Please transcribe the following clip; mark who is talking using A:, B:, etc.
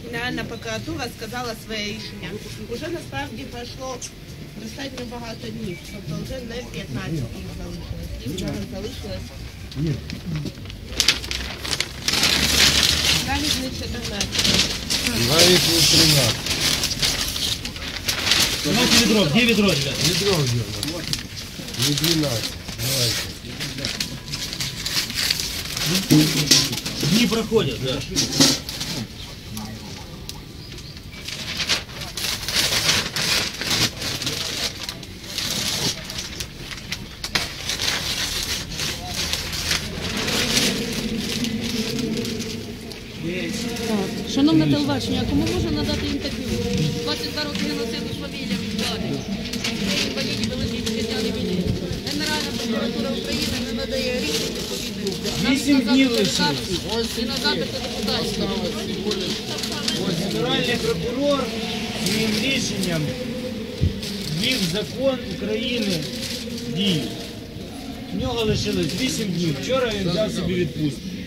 A: Генеральна прокуратура сказала своє рішення. Уже насправді пройшло достатньо багато днів, тобто вже не 15 їх залишилось. Їх зараз залишилось навіть не 14.
B: Навіть не 13.
C: Давайте ведро, где ведро, ребят?
B: Ведро где-то. Не 12. Давайте.
C: Дни проходят, да.
D: Шановне телебачення, кому можна надати інтерв'ю? 22 роки геноциду з фаміліями вкладів. Інвалідів величезні зняли війни. Генеральна прокуратура України не надає рішень відповідних.
C: 8 днів лишилось.
D: І на запит до депутатів.
C: Генеральний прокурор своїм рішенням ввів закон України в дію. В нього лишилось 8 днів. Вчора він взяв собі відпустку.